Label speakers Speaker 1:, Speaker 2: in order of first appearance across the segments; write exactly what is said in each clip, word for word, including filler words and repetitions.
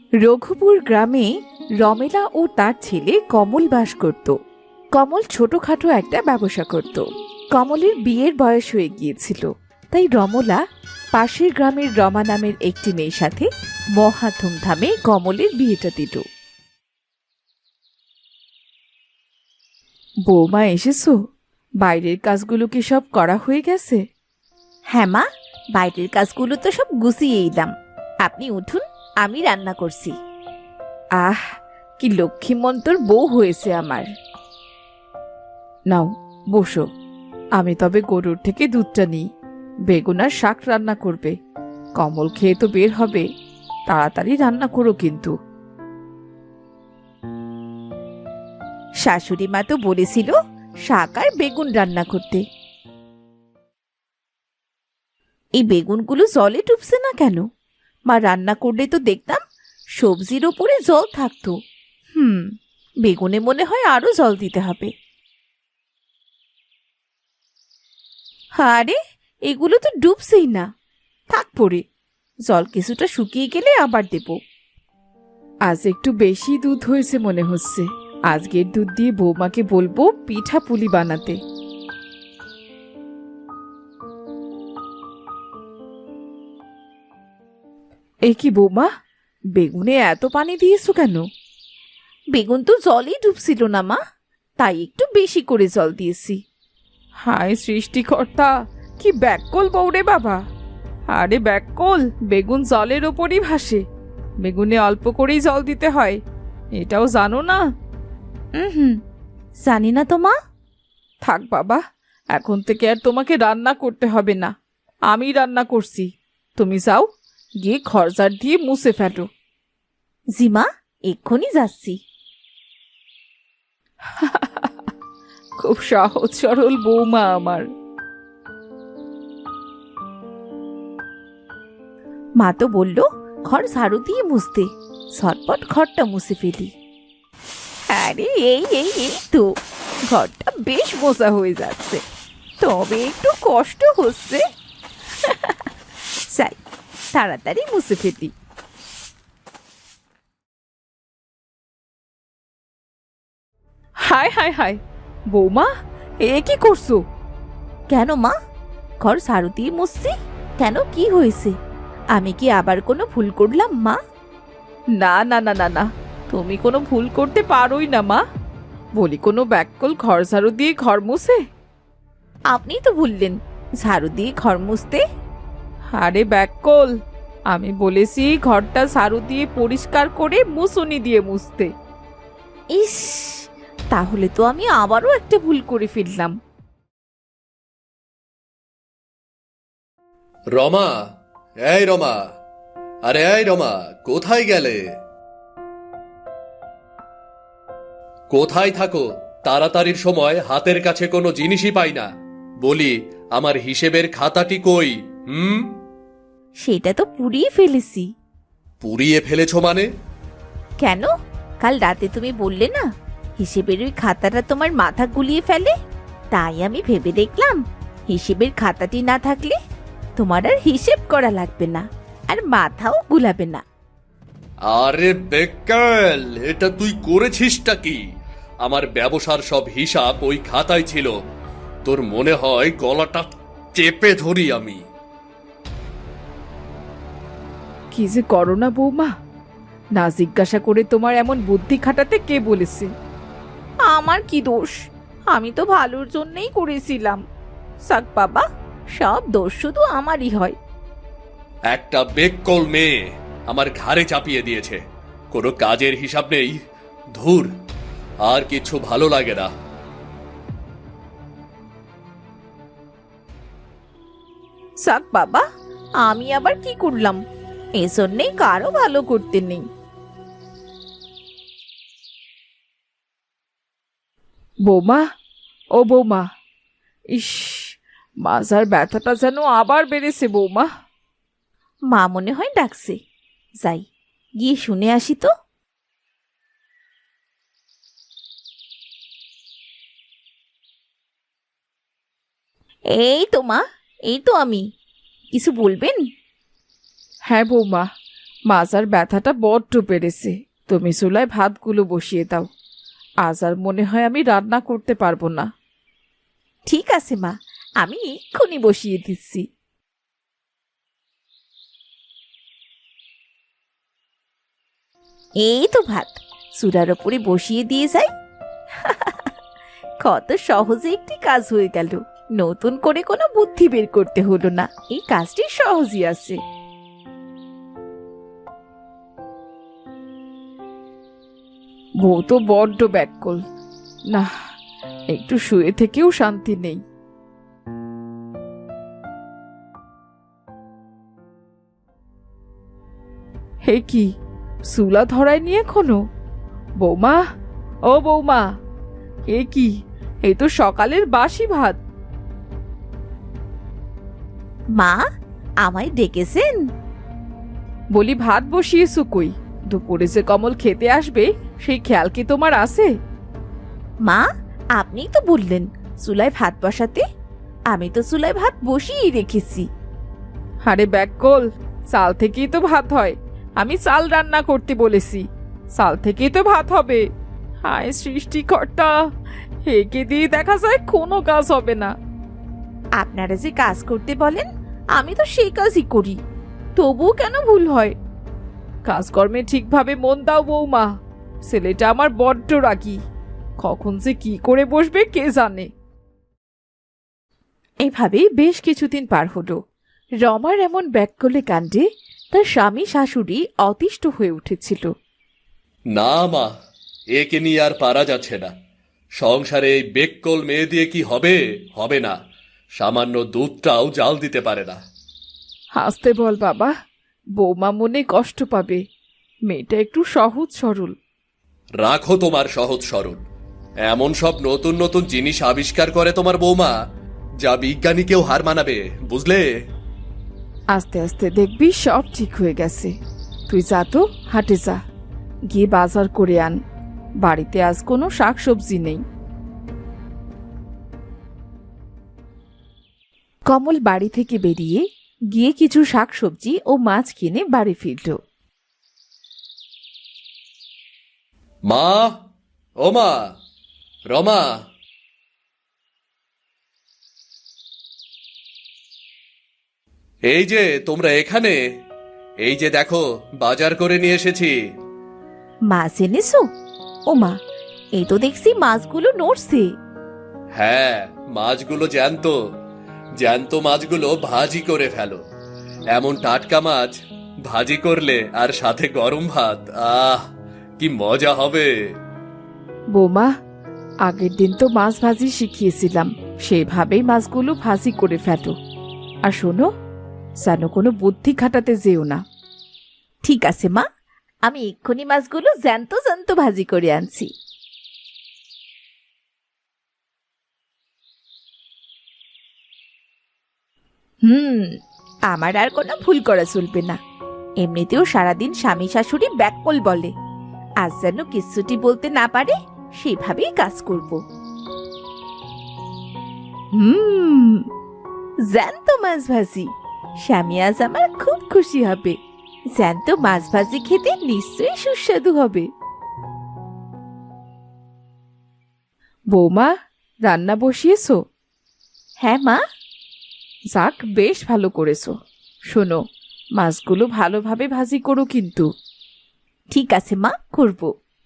Speaker 1: রঘুপুর গ্রামে রমেলা ও তার ছেলে কমল বাস করত। কমল ছোটখাটো একটা ব্যবসা করত। কমলের বিয়ের বয়স হয়ে গিয়েছিল, তাই রমলা পাশের গ্রামের রমা নামের একটি মেয়ের সাথে মহা ধুমধামে কমলের বিয়েটা দিল। বৌমা এসেছো? বাইরের কাজগুলো কি সব করা হয়ে গেছে?
Speaker 2: হ্যাঁ মা, বাইরের কাজগুলো তো সব গুছিয়ে এলাম। আপনি উঠুন, আমি রান্না করছি।
Speaker 1: আহ, কি লক্ষ্মীমন্তর বউ হয়েছে আমার। নাও বসো, আমি তবে গরুর থেকে দুধটা নিই। বেগুন আর শাক রান্না করবে। কমল খেয়ে তো বের হবে, তাড়াতাড়ি রান্না করো কিন্তু।
Speaker 2: শাশুড়ি মা তো বলেছিল শাক আর বেগুন রান্না করতে। এই বেগুনগুলো জলে ডুবছে না কেন? মা রান্না করলে তো দেখতাম সবজির ওপরে জল থাকতো। হুম, বেগুনে মনে হয় আরো জল দিতে হবে। আরে, এগুলো তো ডুবছেই না। থাক পড়ে, জল কিছুটা শুকিয়ে গেলে আবার দেব।
Speaker 1: আজ একটু বেশি দুধ হয়েছে মনে হচ্ছে। আজকের দুধ দিয়ে বৌমাকে বলবো পিঠা পুলি বানাতে। এ কি বৌমা, বেগুনে এত পানি দিয়েছো কেন?
Speaker 2: বেগুন তো জলেই ডুবছিল না মা, তাই একটু বেশি করে জল দিয়েছি।
Speaker 1: হায় সৃষ্টিকর্তা, কি ব্যাককল বউরে বাবা! আরে ব্যাককল, বেগুন জলের ওপরই ভাসে। বেগুনে অল্প করেই জল দিতে হয়, এটাও জানো না?
Speaker 2: হুম, জানি না তো মা।
Speaker 1: থাক বাবা, এখন থেকে আর তোমাকে রান্না করতে হবে না, আমি রান্না করছি। তুমি যাও, গিয়ে ঘরজার দিয়ে মুছে ফেলো।
Speaker 2: জি মা, এক্ষুনি যাচ্ছি।
Speaker 1: খুব সহজ সরল বৌমা আমার।
Speaker 2: মা তো বলল ঘর ঝাড়ু দিয়ে মুছতে, ঝটপট ঘরটা মুছে ফেলি। আরে এই এই এই তো, ঘরটা বেশ মোছা হয়ে যাচ্ছে, তবে একটু কষ্ট হচ্ছে। চাই তাড়াতাড়ি মুছে ফেলি।
Speaker 1: হায় হায় হায়, বৌমা এ কি করছো?
Speaker 2: কেন মা, ঘর ঝাড়ু দিয়ে মুছছি। কেন, কি হয়েছে? আমি কি আবার কোনো ভুল করলাম মা?
Speaker 1: না না না না না, তুমি কোনো ভুল করতে পারোই না মা। বলি, কোনো ব্যাককল ঘর ঝাড়ু দিয়ে ঘর মুছে?
Speaker 2: আপনি তো বললেন ঝাড়ু দিয়ে ঘর মুছতে।
Speaker 1: আরে ব্যাককল, আমি বলেছি ঘরটা ঝাড়ু দিয়ে পরিষ্কার করে মুছুনি দিয়ে মুছতে।
Speaker 2: ইস, তাহলে তো আমি আবারও একটা ভুল করে ফেললাম।
Speaker 3: রমা, এই রমা, আরে এই রমা, কোথায় গেলে? কোথায় থাকো? তাড়াতাড়ির সময় হাতের কাছে কোনো জিনিসই পাই না। বলি, আমার হিসেবের খাতাটি কই? হুম,
Speaker 2: সেটা তো পুড়িয়ে ফেলেছি।
Speaker 3: পুড়িয়ে ফেলেছ মানে?
Speaker 2: কেন, কাল রাতে তুমি বললে না হিসেবের ওই খাতাটা তোমার মাথা গুলিয়ে ফেলে, তাই আমি ভেবে দেখলাম হিসেবের খাতাটি না থাকলে তোমার আর হিসেব করা লাগবে না, আর মাথাও গুলাবে না।
Speaker 3: আরে বেকাল, এটা তুই করেছিসটা কি? আমার ব্যবসার সব হিসাব ওই খাতায় ছিল। তোর মনে হয় গলাটা চেপে ধরি আমি।
Speaker 1: কি যে করো না বৌমা, না জিজ্ঞাসা করে তোমার এমন বুদ্ধি খাটাতে কে বলেছে?
Speaker 2: আমার কি দোষ? আমি তো ভালোর জন্যই করেছিলাম। সাক বাবা, সব দোষ শুধু আমারই হয়।
Speaker 3: একটা বেককল মেয়ে আমার ঘাড়ে চাপিয়ে দিয়েছে, কোনো কাজের হিসাব নেই। ধুর, আর কিছু ভালো লাগে না।
Speaker 2: সাক বাবা, আমি আবার কি করলাম? এজন্যই কারো ভালো করতে নেই।
Speaker 1: বৌমা, ও বৌমা, ইস, মাজার ব্যথাটা যেন আবার বেড়েছে বৌমা।
Speaker 2: মা মনে হয় ডাকছে, যাই গিয়ে শুনে আসি তো। এই তো মা, এই তো আমি। কিছু বলবেন?
Speaker 1: হ্যাঁ বৌমা, মাজার ব্যথাটা বড্ড বেড়েছে। তুমি চুলায় ভাতগুলো বসিয়ে দাও। আজ আর মনে হয় আমি রান্না করতে পারবো না।
Speaker 2: ঠিক আছে মা, আমি এক্ষুনি বসিয়ে দিচ্ছি। এই তো ভাত চুলার ওপরে বসিয়ে দিয়ে যাই। কত সহজে একটি কাজ হয়ে গেল, নতুন করে কোনো বুদ্ধি বের করতে হলো না, এই কাজটি সহজই আছে।
Speaker 1: বউ তো বড্ড ব্যাকুল, না একটু শুয়ে থেকেও শান্তি নেই। হে কি, চুলা ধরায়নি এখনো? বৌমা, ও বৌমা, এ কি, এই তো সকালের বাসি ভাত।
Speaker 2: মা, আমায় ডেকেছেন?
Speaker 1: বলি ভাত বসিয়েছো কই? দুপুরে যে কমল খেতে আসবে সেই খেয়াল কি তোমার আছে?
Speaker 2: মা, আপনিই তো বললেন চুলায় ভাত বসাতে, আমি তো চুলায় ভাত বসিয়েই রেখেছি।
Speaker 1: আরে ব্যাককল, চাল থেকেই তো ভাত হয়। আমি চাল রান্না করতে বলেছি, চাল থেকেই তো ভাত হবে। হায় সৃষ্টিকর্তা, একে দিয়ে দেখা যায় কোনো কাজ হবে না।
Speaker 2: আপনারা যে কাজ করতে বলেন আমি তো সেই কাজই করি, তবুও কেন ভুল হয়?
Speaker 1: কাজকর্মে ঠিকভাবে মন দাও বৌমা, ছেলেটা আমার বড্ড রাগী, কখন যে কি করে বসবে কে জানে। এভাবেই বেশ কিছুদিন পার হলো। রমার এমন ব্যাককলে কাণ্ডে তার স্বামী শাশুড়ি অতিষ্ঠ হয়ে উঠেছিল।
Speaker 3: না মা, একে নিয়ে আর পারা যাচ্ছে না। সংসারে এই বেককল মেয়ে দিয়ে কি হবে? হবে না। সামান্য দুধটাও জাল দিতে পারে না।
Speaker 1: হাসতে বল বাবা, বৌমা মনে কষ্ট পাবে। মেয়েটা একটু সহজ সরল।
Speaker 3: রাখো তোমার সহজ সরল। এমন সব নতুন নতুন জিনিস আবিষ্কার করে তোমার বৌমা, যা বিজ্ঞানীকেও হার মানাবে, বুঝলে?
Speaker 1: আস্তে আস্তে দেখবি সব ঠিক হয়ে গেছে। তুই যা তো, হাটে যা, গিয়ে বাজার করে আন। বাড়িতে আজ কোনো শাকসবজি নেই। কমল বাড়ি থেকে বেরিয়ে গিয়ে কিছু শাকসবজি ও মাছ কিনে বাড়ি ফিরল।
Speaker 3: মা, ও মা, রমা, এই যে তোমরা এখানে, এই যে দেখো বাজার করে নিয়ে এসেছি।
Speaker 2: মাছ এনেছো? ও মা, এই তো দেখছি মাছগুলো নড়ছে।
Speaker 3: হ্যাঁ, মাছগুলো জ্যান্ত। জ্যান্ত মাছগুলো ভাজি করে ফেলো। এমন টাটকা মাছ ভাজি করলে আর সাথে গরম ভাত, আহ কি মজা হবে।
Speaker 1: বৌমা, আগের দিন তো মাছ ভাজি শিখিয়েছিলাম, সেভাবেই মাছগুলো ভাজি করে ফেলো। আর শোনো, যেন কোনো বুদ্ধি খাটাতে যেও না।
Speaker 2: ঠিক আছে মা, আমি এক্ষুনি মাছগুলো জ্যান্ত জ্যান্ত ভাজি করে আনছি। হুম, আমার আর কোনো ভুল করা চলবে না। এমনিতেও সারাদিন স্বামী শাশুড়ি ব্যাককল বলে, আজ যেন কিচ্ছুটি বলতে না পারে, সেভাবেই কাজ করব। হুম, জ্যান্ত মাছ ভাজি, স্বামী আজ আমার খুব খুশি হবে। জ্যান্ত মাছ ভাজি খেতে নিশ্চয়ই সুস্বাদু হবে।
Speaker 1: বৌমা, রান্না বসিয়েছো?
Speaker 2: হ্যাঁ মা।
Speaker 1: যাক, বেশ ভালো করেছো। শোনো, মাছগুলো ভালোভাবে ভাজি করো কিন্তু।
Speaker 2: ঠিক আছে মা, করব।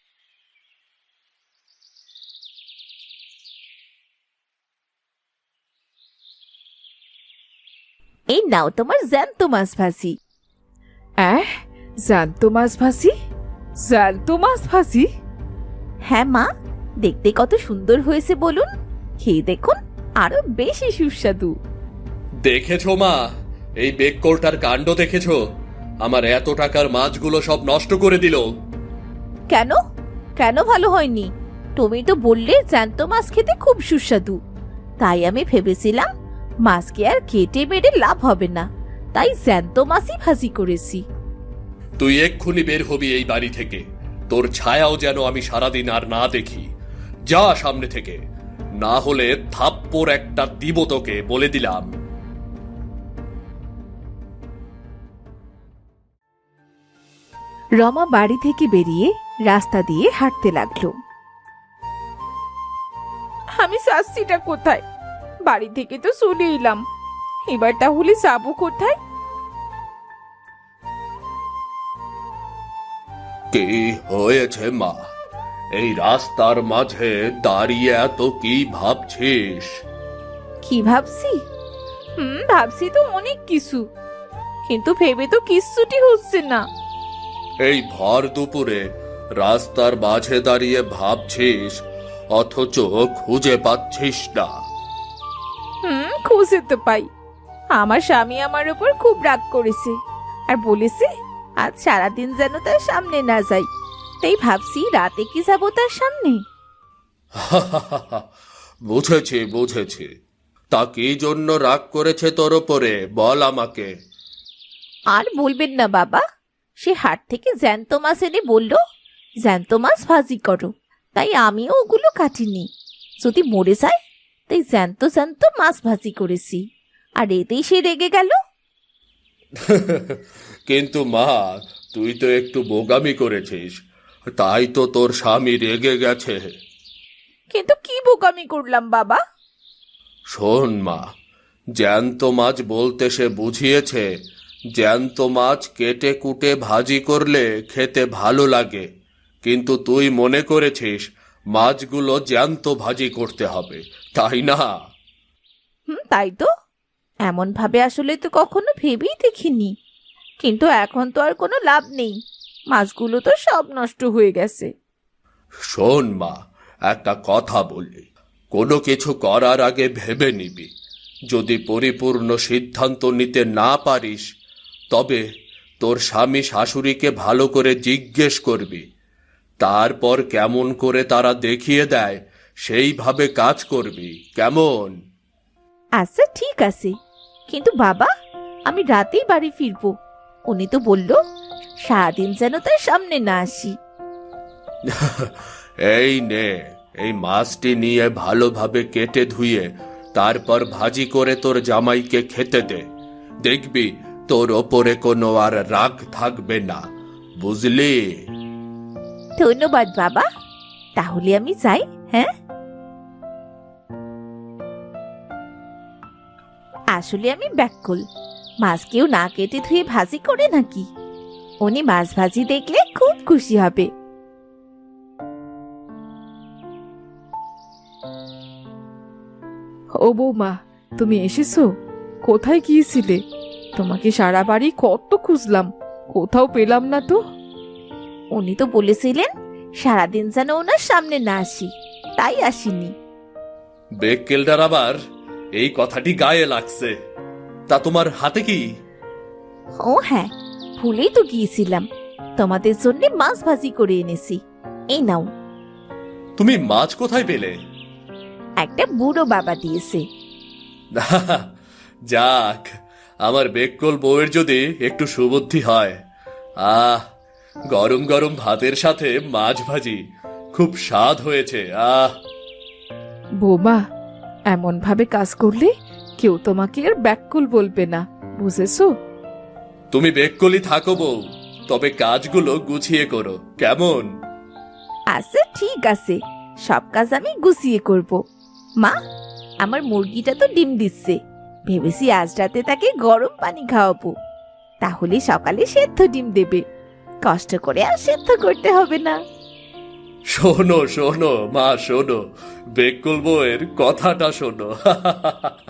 Speaker 2: এই নাও তোমার জ্যান্ত মাছ ভাজি।
Speaker 1: অ্যাঁ, জ্যান্ত মাছ ভাজি? জ্যান্ত মাছ ভাজি?
Speaker 2: হ্যাঁ মা, দেখতে কত সুন্দর হয়েছে বলুন, খেয়ে দেখুন, আরো বেশি সুস্বাদু।
Speaker 3: দেখেছো মা, এই বেককলটার কাণ্ড দেখেছো? আমার এত টাকার মাছগুলো সব নষ্ট করে দিল।
Speaker 2: কেন কেন ভালো হয়নি? তুমি তো বললে জ্যান্ত মাছ খেতে খুব সুস্বাদু। তাই আমি ভেবেছিলাম মাছকে আর কেটে মেরে লাভ হবে না, তাই জ্যান্ত মাছই ভাজি করেছি।
Speaker 3: তুই এক্ষুনি বের হবি এই বাড়ি থেকে। তোর ছায়াও যেন আমি সারাদিন আর না দেখি। যা সামনে থেকে, না হলে থাপ্পড় একটা দিব তোকে, বলে দিলাম।
Speaker 1: রমা বাড়ি থেকে বেরিয়ে রাস্তা দিয়ে হাঁটতে লাগলো।
Speaker 2: আমি শাস্তিটা কোথায়? বাড়ি থেকে তো চলে এলাম, এবার তাহলে যাবো কোথায়?
Speaker 3: কি হয়েছে মা? এই রাস্তার মাঝে দাঁড়িয়ে এত কি ভাবছিস?
Speaker 2: কি ভাবছি? হুম ভাবছি তো অনেক কিছু, কিন্তু ভেবে তো কিচ্ছুটি হচ্ছে না।
Speaker 3: এই ভর দুপুরে রাস্তার মাঝে দাঁড়িয়ে ভাবছিস, অথচ খুঁজে পাচ্ছিস না।
Speaker 2: হুম খুঁজে তো পাই। আমার স্বামী আমার উপর খুব রাগ করেছে আর বলেছে আজ সারাদিন যেন তার সামনে না যাই। তাই ভাবছি রাতে কি যাবো তার সামনে।
Speaker 3: বুঝেছি বুঝেছি। তা কি জন্য রাগ করেছে তোর ওপরে, বল আমাকে।
Speaker 2: আর বলবেন না বাবা, সে হাট থেকে জ্যান্ত মাছ এনে বলল জ্যান্ত মাছ ভাজি করো, তাই আমিও ওগুলো কাটিনি। যদি মরে যায় তাই জ্যান্ত জ্যান্ত মাছ ভাজি করেছি, আর এতেই সে রেগে গেল।
Speaker 3: কিন্তু মা, তুই তো একটু বোগামি করেছিস, তাই তো তোর স্বামী রেগে গেছে।
Speaker 2: কিন্তু কি বোকামি করলাম বাবা?
Speaker 3: শোন মা, জ্যান্ত মাছ বলতে সে বুঝিয়েছে জ্যান্ত মাছ কেটে কুটে ভাজি করলে খেতে ভালো লাগে, কিন্তু তুই মনে করেছিস মাছগুলো জ্যান্ত ভাজি করতে হবে, তাই না?
Speaker 2: হুম তাই তো, এমন ভাবে আসলে তো কখনো ভেবেই দেখিনি। কিন্তু এখন তো আর কোনো লাভ নেই, মাছগুলো তো সব নষ্ট হয়ে গেছে।
Speaker 3: শোন মা, একটা কথা বলি, কোনো কিছু করার আগে ভেবে নিবি। যদি পরিপূর্ণ সিদ্ধান্ত নিতে না পারিস, তবে তোর স্বামী শাশুড়িকে ভালো করে জিজ্ঞেস করবি। তারপর কেমন করে তারা দেখিয়ে দেয় সেইভাবে কাজ করবি, কেমন?
Speaker 2: আচ্ছা ঠিক আছে, কিন্তু বাবা আমি রাতেই বাড়ি ফিরবো। উনি তো বলল সারাদিন যেন তার সামনে না আসি।
Speaker 3: এই নে, এই মাছটি নিয়ে ভালোভাবে কেটে ধুয়ে তারপর ভাজি করে তোর জামাইকে খেতে দে। দেখবি তোর ওপরে কোনো আর রাগ থাকবে না, বুঝলি?
Speaker 2: ধন্যবাদ বাবা, তাহলে আমি যাই। হ্যাঁ, আসলে আমি ব্যাকুল, মাছ কেউ না কেটে ধুয়ে ভাজি করে নাকি? উনি মাছ ভাজি দেখলে খুব খুশি হবে।
Speaker 1: ও বৌমা, তুমি এসেছো? কোথায় গিয়েছিলে? তোমাকে সারা বাড়ি কত খুঁজলাম, কোথাও পেলাম না তো।
Speaker 2: উনি তো বলেছিলেন সারাদিন যেন ওনার সামনে না আসি, তাই আসিনি।
Speaker 3: বেক্কেলটার আবার এই কথাটি গায়ে লাগছে। তা তোমার হাতে কি?
Speaker 2: ও হ্যাঁ, ভুলেই তো গিয়েছিলাম, তোমাদের জন্য মাছ ভাজি করে এনেছি, এই নাও।
Speaker 3: তুমি মাছ কোথায় পেলে?
Speaker 2: একটা বুড়ো বাবা দিয়েছে।
Speaker 3: যাক, আমার বেক্কল বউয়ের যদি একটু সুবুদ্ধি হয়। আহ, গরম গরম ভাতের সাথে মাছ ভাজি খুব স্বাদ হয়েছে। আহ
Speaker 1: বৌমা, এমন ভাবে কাজ করলে কেউ তোমাকে আর ব্যাকুল বলবে না, বুঝেছো?
Speaker 3: তুমি বেক্কলি থাকো বউ, তবে কাজগুলো গুছিয়ে করো, কেমন?
Speaker 2: আচ্ছা ঠিক আছে, সব কাজ আমি গুছিয়ে করব। মা, আমার মুরগিটা তো ডিম দিচ্ছে, ভেবেছি আজ রাতে তাকে গরম পানি খাওয়াবো, তাহলে সকালে সেদ্ধ ডিম দেবে, কষ্ট করে আর সেদ্ধ করতে হবে না।
Speaker 3: শোনো শোনো মা, শোনো, বেক্কল বউয়ের কথাটা শোনো।